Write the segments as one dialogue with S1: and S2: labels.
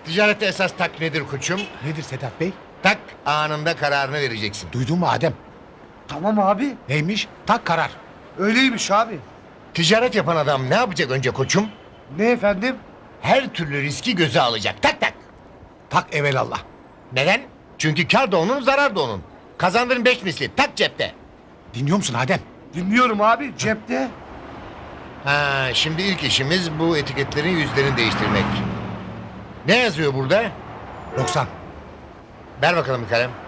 S1: Ticarette esas tak nedir koçum?
S2: Nedir Sedat Bey?
S1: Tak anında kararını vereceksin.
S2: Duydun mu Adem?
S3: Tamam abi.
S2: Neymiş? Tak karar.
S3: Öyleymiş abi.
S1: Ticaret yapan adam ne yapacak önce koçum?
S3: Ne efendim?
S1: Her türlü riski göze alacak. Tak tak.
S2: Tak evelallah.
S1: Neden? Çünkü kar da onun, zarar da onun. Kazandığın 5 misli. Tak cepte.
S2: Dinliyor musun Adem?
S3: Dinliyorum abi. Cepte.
S1: Ha, şimdi ilk işimiz bu etiketlerin yüzlerini değiştirmek. Ne yazıyor burada?
S2: 90.
S1: Ver bakalım bir kalem.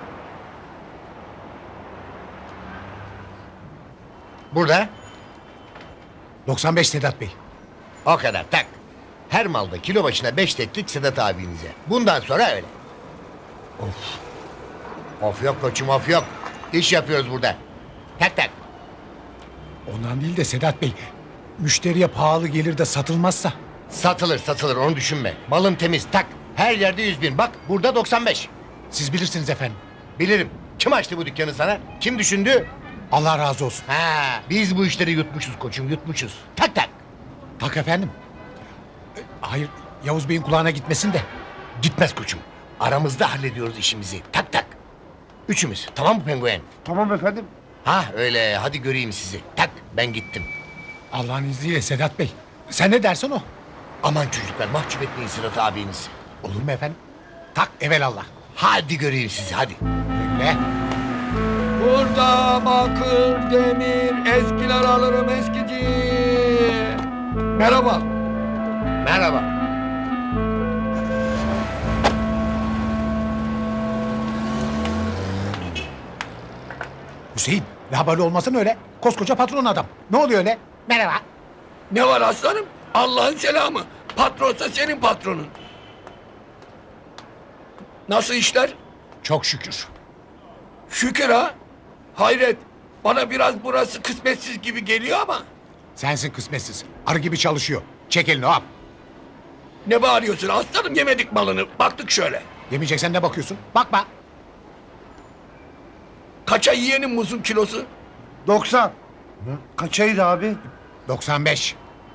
S1: Burada.
S2: 95 Sedat Bey.
S1: O kadar tak. Her malda kilo başına 5 teklik Sedat abinize. Bundan sonra öyle. Of. Of yok koçum, of yok. İş yapıyoruz burada. Tak tak.
S2: Ondan değil de Sedat Bey. Müşteriye pahalı gelir de satılmazsa.
S1: Satılır satılır, onu düşünme. Malın temiz, tak. Her yerde 100.000. Bak burada 95.
S2: Siz bilirsiniz efendim.
S1: Bilirim. Kim açtı bu dükkanı sana? Kim düşündü?
S2: Allah razı olsun.
S1: Ha, biz bu işleri yutmuşuz koçum, yutmuşuz. Tak tak.
S2: Tak efendim. Hayır, Yavuz Bey'in kulağına gitmesin de.
S1: Gitmez koçum. Aramızda hallediyoruz işimizi. Tak tak. Üçümüz. Tamam mı penguen?
S3: Tamam efendim.
S1: Ha öyle. Hadi göreyim sizi. Tak. Ben gittim.
S2: Allah'ın izniyle Sedat Bey. Sen ne dersen o.
S1: Aman çocuklar mahcup etmeyin Sırat abinizi.
S2: Olur mu efendim? Tak evelallah.
S1: Hadi göreyim sizi hadi.
S2: Öyle.
S4: Burada bakır, demir, eskiler alırım eskici. Merhaba.
S1: Merhaba.
S2: Hüseyin, labali olmasın öyle. Koskoca patron adam. Ne oluyor öyle? Merhaba.
S4: Ne var aslanım? Allah'ın selamı. Patronsa senin patronun. Nasıl işler?
S2: Çok şükür.
S4: Şükür ha. Hayret. Bana biraz burası kısmetsiz gibi geliyor ama.
S2: Sensin kısmetsiz. Arı gibi çalışıyor. Çek elini hop.
S4: Ne bağırıyorsun aslanım, yemedik malını. Baktık şöyle.
S2: Yemeyeceksen ne bakıyorsun? Bakma.
S4: Kaça yiyenin muzun kilosu?
S3: 90. Kaçaydı abi?
S2: 95.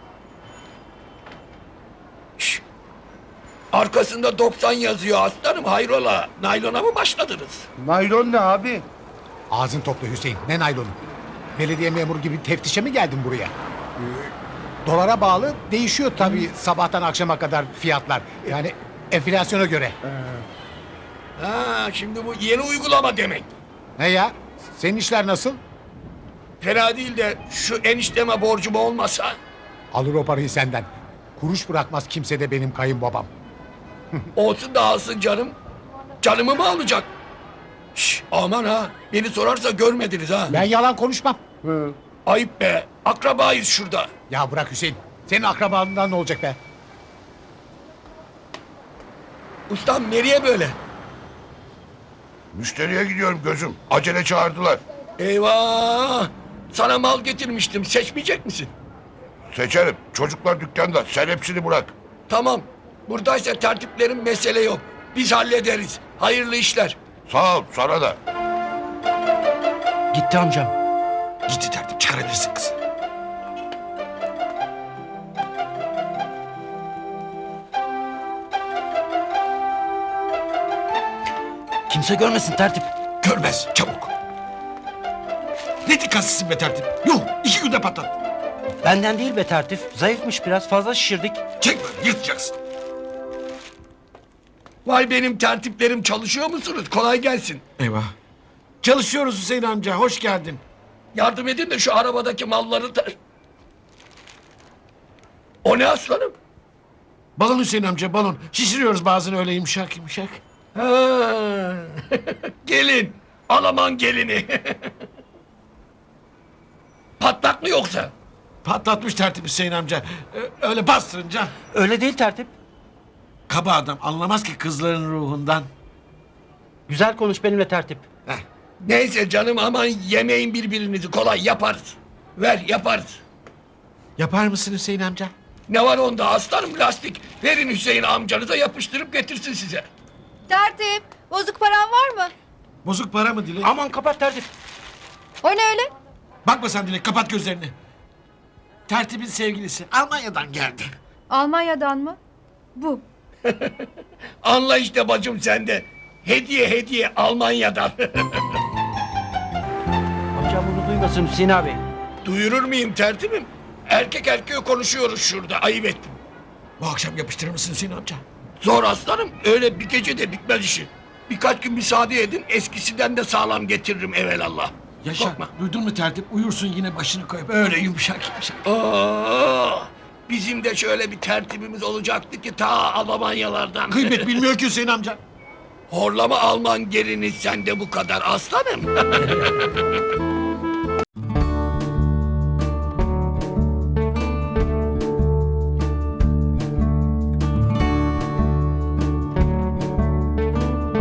S4: Şş. Arkasında 90 yazıyor aslanım, hayrola? Naylona mı başladınız?
S3: Naylon ne abi?
S2: Ağzın topla Hüseyin. Ne naylonu? Belediye memuru gibi teftişe mi geldin buraya? Dolara bağlı değişiyor tabii sabahtan akşama kadar fiyatlar. Yani enflasyona göre.
S4: Ha, şimdi bu yeni uygulama demek.
S2: Ne ya? Senin işler nasıl?
S4: Fena değil de şu enişteme borcum olmasa.
S2: Alır o parayı senden. Kuruş bırakmaz kimse de benim kayınbabam.
S4: Olsun da alsın canım. Canımı mı alacak? Şş, aman ha, beni sorarsa görmediniz ha.
S2: Ben yalan konuşmam.
S3: Hı.
S4: Ayıp be, akrabayız şurada.
S2: Ya bırak Hüseyin. Senin akrabalığından ne olacak be?
S4: Ustam nereye böyle?
S5: Müşteriye gidiyorum gözüm. Acele çağırdılar.
S4: Eyvah! Sana mal getirmiştim, seçmeyecek misin?
S5: Seçerim. Çocuklar dükkanda. Sen hepsini bırak.
S4: Tamam, buradaysa tertiplerin mesele yok. Biz hallederiz. Hayırlı işler.
S5: Sağ ol. Sana da.
S4: Gitti amcam.
S5: Gitti tertip. Çıkarabilirsin kızı.
S6: Kimse görmesin tertip.
S5: Görmez. Çabuk. Ne dikkatsizsin be tertip. Yuh. 2 günde patlat.
S6: Benden değil be tertip. Zayıfmış, biraz fazla şişirdik.
S5: Çek böyle. Yırtacaksın.
S4: Vay benim tertiplerim, çalışıyor musunuz? Kolay gelsin.
S7: Eyvah. Çalışıyoruz Hüseyin amca, hoş geldin.
S4: Yardım edin de şu arabadaki malları da... O ne aslanım?
S7: Balon Hüseyin amca, balon. Şişiriyoruz bazen öyle yumuşak yumuşak.
S4: Ha. Gelin. Alaman gelini. Patlak mı yoksa?
S7: Patlatmış tertip Hüseyin amca. Öyle bastırınca.
S6: Öyle değil tertip.
S7: Kaba adam, anlamaz ki kızların ruhundan.
S6: Güzel konuş benimle tertip.
S4: Neyse canım, aman yemeyin birbirinizi, kolay yaparız. Ver yaparız.
S7: Yapar mısın Hüseyin amca?
S4: Ne var onda aslanım, lastik. Verin Hüseyin amcanıza, yapıştırıp getirsin size.
S8: Tertip, bozuk paran var mı?
S7: Bozuk para mı Dilek?
S6: Aman kapat tertip.
S8: O ne öyle?
S7: Bakma sen Dilek, kapat gözlerini. Tertibin sevgilisi Almanya'dan geldi.
S8: Almanya'dan mı? Bu.
S4: Anla işte bacım sende. Hediye Almanya'dan.
S6: Amcam bunu duymasın Hüseyin abi.
S4: Duyurur muyum tertibim? Erkek erkeğe konuşuyoruz şurada. Ayıp ettim.
S5: Bu akşam yapıştırır mısın Hüseyin amca?
S4: Zor aslanım. Öyle bir gecede bitmez işi. Birkaç gün müsaade edin. Eskisinden de sağlam getiririm evelallah.
S5: Yaşa.
S4: Korkma.
S5: Duydun mu tertip? Uyursun yine başını koyup öyle yumuşak yumuşak.
S4: Bizim de şöyle bir tertibimiz olacaktı ki ta Almanyalardan.
S5: Kıymet bilmiyor ki Hüseyin amca.
S4: Horlama Alman gelini sende bu kadar aslanım.